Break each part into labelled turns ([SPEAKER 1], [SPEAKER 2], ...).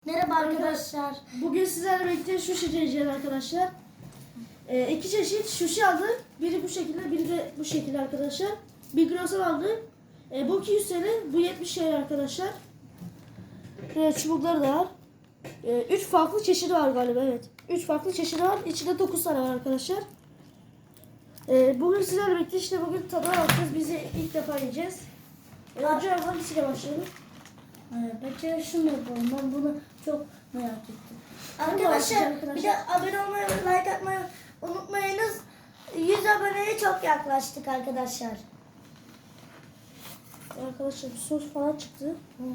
[SPEAKER 1] Merhaba arkadaşlar.
[SPEAKER 2] Bugün sizlerle birlikte sushi deneyeceğiz arkadaşlar. İki çeşit sushi aldık. Biri bu şekilde, biri de bu şekilde arkadaşlar. Bir grosan aldık. Bu 200 TL, bu 70 TL arkadaşlar. Çubukları da var. 3 farklı çeşidi var galiba, evet. 3 farklı çeşidi var. İçinde 9 tane var arkadaşlar. Bugün sizlerle birlikte işte bugün tadına bakacağız. Bizi ilk defa yiyeceğiz. Önce hangisiyle başlayalım?
[SPEAKER 1] Bence şunu yapalım. Ben bunu çok merak ettim. Arkadaşlar bir de abone olmayı ve like atmayı unutmayınız. 100 aboneye çok yaklaştık arkadaşlar.
[SPEAKER 2] Arkadaşlar bir sos falan çıktı.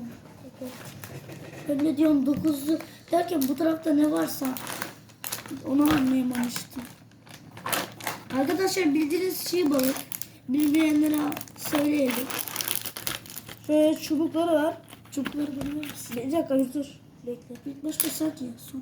[SPEAKER 1] Ben ne diyorum 9'lu derken bu tarafta ne varsa onu anlayamamıştım. Arkadaşlar bildiğiniz çiğ balık. Bilmeyenlere söyleyelim.
[SPEAKER 2] Şöyle çubukları var.
[SPEAKER 1] Çubukları biliyor musun?
[SPEAKER 2] Bir dakika dur. Bekle.
[SPEAKER 1] İlk başta sak ya sonra.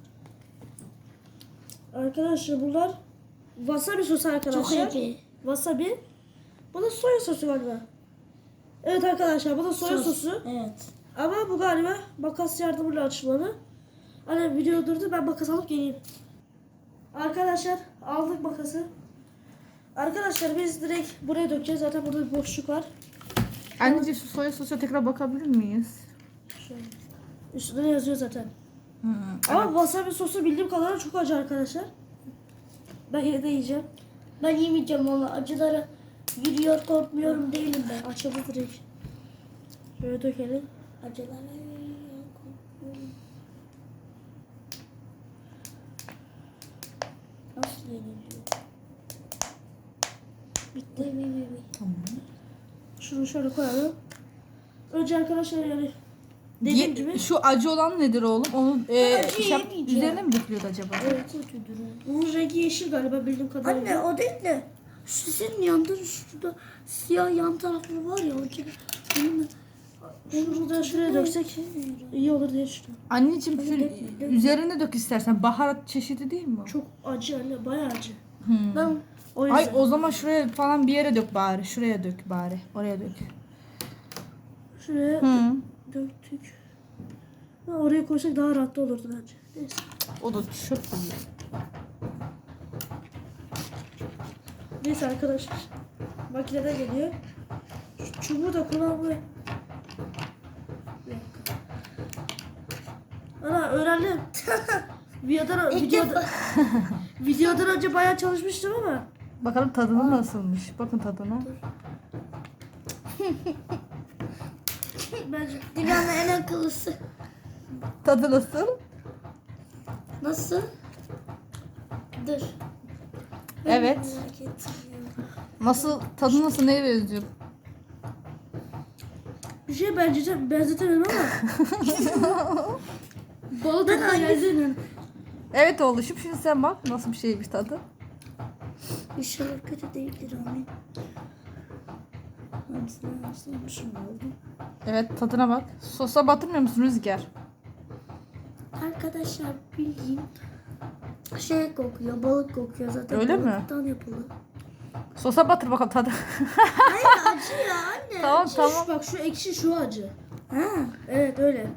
[SPEAKER 2] Arkadaşlar bunlar wasabi sosu arkadaşlar.
[SPEAKER 1] Çok iyi.
[SPEAKER 2] Wasabi. Bu da soya sosu galiba. Evet arkadaşlar bu da soya sosu.
[SPEAKER 1] Evet.
[SPEAKER 2] Ama bu galiba makas yardımıyla açılmalı. Hani video durdu, ben makas alıp geleyim. Arkadaşlar aldık makası. Arkadaşlar biz direkt buraya dökeceğiz. Zaten burada bir boşluk var.
[SPEAKER 3] Anneciğim şu soya sosuna tekrar bakabilir miyiz?
[SPEAKER 2] Şöyle. Üstünde de yazıyor zaten.
[SPEAKER 3] Evet.
[SPEAKER 2] Ama wasabi sosu bildiğim kadarıyla çok acı arkadaşlar. Ben yine de yiyeceğim.
[SPEAKER 1] Ben yemeyeceğim ama acılara yürüyor korkmuyorum değilim ben.
[SPEAKER 2] Açıldı direkt. Şöyle dökelim.
[SPEAKER 1] Acılara yürüyor korkmuyorum. Nasıl yeniliyor? Bitti.
[SPEAKER 3] Tamam.
[SPEAKER 2] Şunu şöyle koyalım. Önce arkadaşlar yani dediğim gibi.
[SPEAKER 3] Şu acı olan nedir oğlum? Onu
[SPEAKER 1] acı yemeyeceğim.
[SPEAKER 3] üzerine mi dökülüyordu acaba?
[SPEAKER 2] Evet. Bunun rengi yeşil galiba bildiğim kadarıyla.
[SPEAKER 1] Anne o değil de şu senin yanında şurada siyah yan tarafı var ya o gibi.
[SPEAKER 2] Şunu da şuraya döksek iyi olur diye düşünüyorum.
[SPEAKER 3] Anneciğim şu üzerine dök istersen. Baharat çeşidi değil mi o?
[SPEAKER 2] Çok acı anne, bayağı acı.
[SPEAKER 1] Ben
[SPEAKER 2] O yüzden.
[SPEAKER 3] Ay o zaman şuraya falan bir yere dök bari. Şuraya dök bari. Oraya dök.
[SPEAKER 2] Şuraya
[SPEAKER 3] Hı.
[SPEAKER 2] döktük. Ha, oraya koysak daha rahat da olurdu bence. Neyse.
[SPEAKER 3] O da çöp değil.
[SPEAKER 2] Neyse arkadaşlar. Makinede geliyor. Şu çubuğu da kullanmayı. Ana öğrendim. videodan önce bayağı çalışmıştım ama.
[SPEAKER 3] Bakalım tadını nasılmış. Bakın tadına.
[SPEAKER 2] Bence
[SPEAKER 1] dünyanın en akıllısı.
[SPEAKER 3] Tadı nasıl?
[SPEAKER 1] Nasıl? Dur.
[SPEAKER 3] Evet.
[SPEAKER 1] Merak ettim ya.
[SPEAKER 3] Nasıl? Tadı nasıl? Neye benziyor?
[SPEAKER 2] bir şey benzetemem ama. Balı da geldi.
[SPEAKER 3] Evet oğluşum şimdi sen bak nasıl bir şeymiş tadı.
[SPEAKER 1] İnşallah kötü değildir amin. Nasılmışım oldu?
[SPEAKER 3] Evet tadına bak. Sosa batırmıyor musun Rüzgar?
[SPEAKER 1] Arkadaşlar bildiğin şey kokuyor, balık kokuyor zaten.
[SPEAKER 3] Öyle mi?
[SPEAKER 1] Balıktan yapılı.
[SPEAKER 3] Sosa batır bakalım tadı.
[SPEAKER 1] Hayır acı ya anne.
[SPEAKER 3] Tamam tamam.
[SPEAKER 2] Bak şu ekşi, şu acı.
[SPEAKER 1] Ha.
[SPEAKER 2] Evet öyle.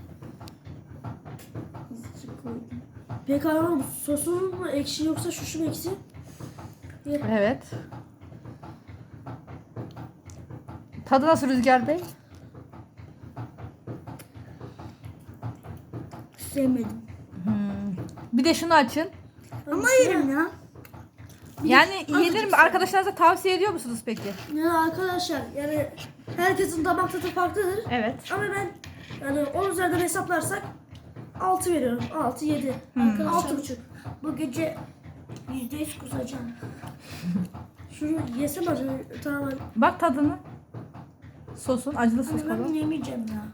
[SPEAKER 1] Azıcık koydum.
[SPEAKER 2] Peki anlamadım. Sosun mu ekşi yoksa şu mu ekşi?
[SPEAKER 3] Evet. Tadı nasıl Rüzgar Bey?
[SPEAKER 1] Sevmedim.
[SPEAKER 3] Bir de şunu açın.
[SPEAKER 1] Ama yerim ya.
[SPEAKER 3] Yani yenir mi? Arkadaşlarınıza tavsiye ediyor musunuz peki?
[SPEAKER 2] Yani arkadaşlar yani herkesin damak tadı farklıdır.
[SPEAKER 3] Evet.
[SPEAKER 2] Ama ben yani 10 üzerinden hesaplarsak 6 veriyorum. 6, 7.
[SPEAKER 1] Arkadaşlar
[SPEAKER 2] 6,5.
[SPEAKER 1] bu gece %100 kusacağım.
[SPEAKER 2] Şunu yesem acaba tamam.
[SPEAKER 3] Bak tadını. Sosun, acılı sos
[SPEAKER 1] Anne ben
[SPEAKER 3] falan.
[SPEAKER 1] yemeyeceğim ya.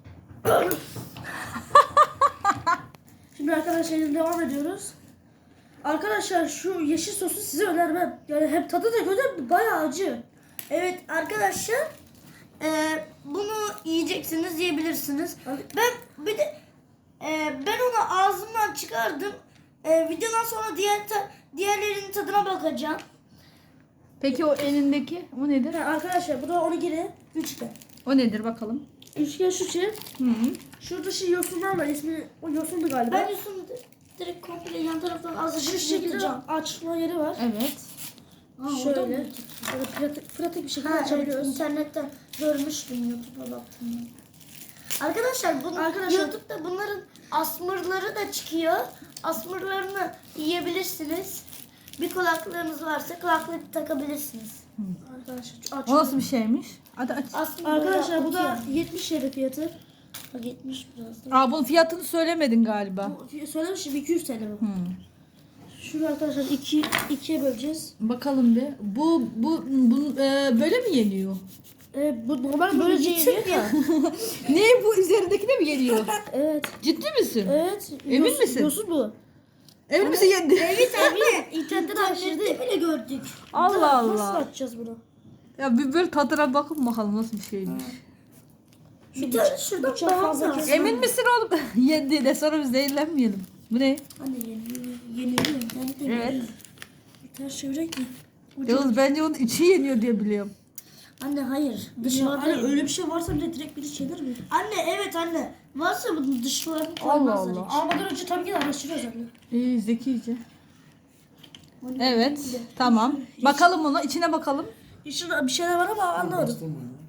[SPEAKER 2] Şimdi arkadaşlar devam ediyoruz. Arkadaşlar şu yeşil sosu size önermem. Yani hem tadı da kötü, bayağı acı.
[SPEAKER 1] Evet arkadaşlar bunu yiyeceksiniz, yiyebilirsiniz. Ben bir de ben onu ağzımdan çıkardım. Videodan sonra diğerlerinin tadına bakacağım.
[SPEAKER 3] Peki o elindeki o nedir?
[SPEAKER 2] Ha, arkadaşlar bu da 12'li.
[SPEAKER 1] Üçgen.
[SPEAKER 3] O nedir bakalım?
[SPEAKER 2] Üçgen şu şey.
[SPEAKER 3] Hı.
[SPEAKER 2] Şurada şey yosunlar var. İsmi o yosundu galiba.
[SPEAKER 1] Ben Yusuf'un direkt komple yan taraftan
[SPEAKER 2] şu
[SPEAKER 1] azıcık
[SPEAKER 2] şekilde
[SPEAKER 1] yatıracağım.
[SPEAKER 2] açma yeri var.
[SPEAKER 3] Evet.
[SPEAKER 2] Şöyle. Böyle pratik bir şekilde
[SPEAKER 1] Ha, evet,
[SPEAKER 2] açabiliyoruz.
[SPEAKER 1] internetten görmüştüm, YouTube'a baktım. Arkadaşlar,
[SPEAKER 2] Arkadaşlar-
[SPEAKER 1] YouTube'da bunların asmırları da çıkıyor. Asmırlarını yiyebilirsiniz. Bir kulaklığınız varsa kulaklık takabilirsiniz.
[SPEAKER 2] Arkadaşlar aç.
[SPEAKER 3] O nasıl bir şeymiş? Hadi aç.
[SPEAKER 1] Asmır
[SPEAKER 2] Arkadaşlar bu da
[SPEAKER 1] böyle
[SPEAKER 2] 70 TL fiyatı.
[SPEAKER 1] Bak 70 biraz da.
[SPEAKER 3] Aa bunun fiyatını söylemedin galiba.
[SPEAKER 2] Söylemiştim 200 TL bu.
[SPEAKER 3] Hmm.
[SPEAKER 2] Şunu arkadaşlar ikiye böleceğiz.
[SPEAKER 3] Bakalım bir. Bu böyle mi yeniyor?
[SPEAKER 2] Bu normal böyle yeniyor ya.
[SPEAKER 3] Ne bu üzerindekine mi yeniyor?
[SPEAKER 2] Evet.
[SPEAKER 3] Ciddi misin?
[SPEAKER 2] Evet.
[SPEAKER 3] Emin misin?
[SPEAKER 2] Yosun bu.
[SPEAKER 3] Emin misin yendi?
[SPEAKER 1] Evet abi.
[SPEAKER 2] İnternetten araştırdı.
[SPEAKER 1] İnternette bile gördük.
[SPEAKER 3] Allah
[SPEAKER 2] Nasıl
[SPEAKER 3] Allah.
[SPEAKER 2] açacağız bunu?
[SPEAKER 3] Ya bir böyle tadına bakın bakalım nasıl bir şeymiş.
[SPEAKER 1] Bir tane şuradan
[SPEAKER 2] bıçak
[SPEAKER 1] daha
[SPEAKER 2] fazla
[SPEAKER 1] fazla.
[SPEAKER 2] kes-
[SPEAKER 3] Emin misin oğlum? Yendi de sonra biz zehirlenmeyelim. Bu ne?
[SPEAKER 1] Anne yeniliyor. İnternette
[SPEAKER 3] Evet.
[SPEAKER 2] Ters çevirek mi?
[SPEAKER 3] Yalnız bence onun içi yeniyor diye biliyorum.
[SPEAKER 1] Anne hayır.
[SPEAKER 2] Dışarıda
[SPEAKER 1] Dışarıda
[SPEAKER 2] öyle bir şey varsa bile direkt biri çevirir mi?
[SPEAKER 1] Anne evet anne. Varsa bunun dışlarını
[SPEAKER 3] Allah
[SPEAKER 1] koymazlar
[SPEAKER 3] Allah.
[SPEAKER 1] hiç.
[SPEAKER 2] Almadan önce tabii ki de araştırıyoruz anne.
[SPEAKER 3] İyi zekice. Evet. Tamam. Bakalım ona. içine bakalım.
[SPEAKER 2] İçinde bir şeyler var ama anlamadım.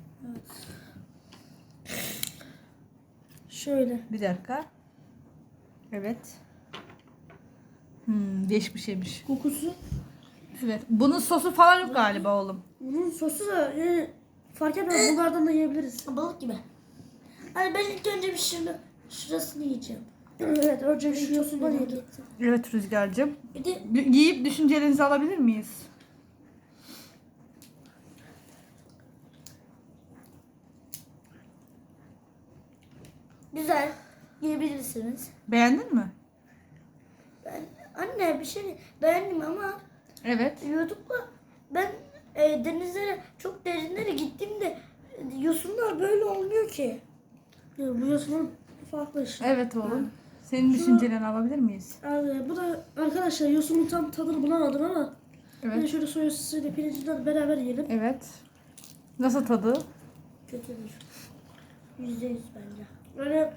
[SPEAKER 2] Şöyle.
[SPEAKER 3] Bir dakika. Evet. Değişik bir şeymiş.
[SPEAKER 2] Kokusu.
[SPEAKER 3] Evet. Bunun sosu falan yok galiba oğlum.
[SPEAKER 2] Bunun sosu da yani fark etmez. Bunlardan da yiyebiliriz.
[SPEAKER 1] Balık gibi. Anne ben ilk önce bir şurasını yiyeceğim.
[SPEAKER 2] Evet. Önce şu yosundan
[SPEAKER 1] Merak
[SPEAKER 2] yiyelim.
[SPEAKER 1] ettim.
[SPEAKER 3] Evet Rüzgar'cığım.
[SPEAKER 1] Bir de
[SPEAKER 3] Yiyip düşüncelerinizi alabilir miyiz?
[SPEAKER 1] güzel yiyebilirsiniz.
[SPEAKER 3] Beğendin mi?
[SPEAKER 1] Anne bir şey beğendim ama
[SPEAKER 3] Evet.
[SPEAKER 1] YouTube'da ben denizlere çok derinlere gittiğimde yosunlar böyle olmuyor ki.
[SPEAKER 2] Yani bu yosunun farklı işte.
[SPEAKER 3] Evet oğlum. Senin düşüncelerini alabilir miyiz?
[SPEAKER 2] Abi, bu da arkadaşlar yosunun tam tadını bulamadım ama bir de
[SPEAKER 3] Evet.
[SPEAKER 2] şöyle soya sosuyla pirincinden beraber yiyelim.
[SPEAKER 3] Evet. Nasıl tadı?
[SPEAKER 1] Kötüdür. %100 bence.
[SPEAKER 2] Böyle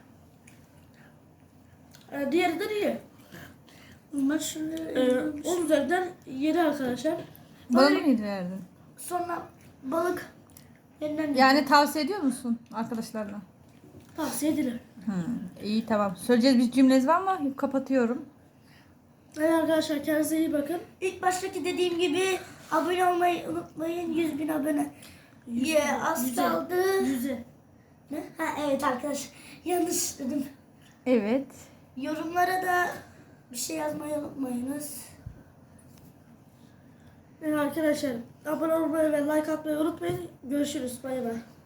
[SPEAKER 2] diğerinden iyi.
[SPEAKER 1] Ama şimdi
[SPEAKER 2] 10 üzerinden 7 arkadaşlar.
[SPEAKER 3] Bana mı verdin?
[SPEAKER 1] sonra balık yeniden
[SPEAKER 3] Yani tavsiye ediyor musun arkadaşlarına?
[SPEAKER 2] Tavsiye edilir.
[SPEAKER 3] İyi tamam. Söyleyeceğiz bir cümleniz var mı? Kapatıyorum.
[SPEAKER 2] Evet arkadaşlar kendinize iyi bakın.
[SPEAKER 1] İlk baştaki dediğim gibi abone olmayı unutmayın. 100.000 abone. Az kaldı.
[SPEAKER 2] 100'e.
[SPEAKER 1] Ne? Ha evet arkadaşlar. Yanlış dedim.
[SPEAKER 3] Evet.
[SPEAKER 1] Yorumlara da bir şey yazmayı unutmayınız.
[SPEAKER 2] Evet arkadaşlar abone olmayı ve like atmayı unutmayın. Görüşürüz. Bay bay.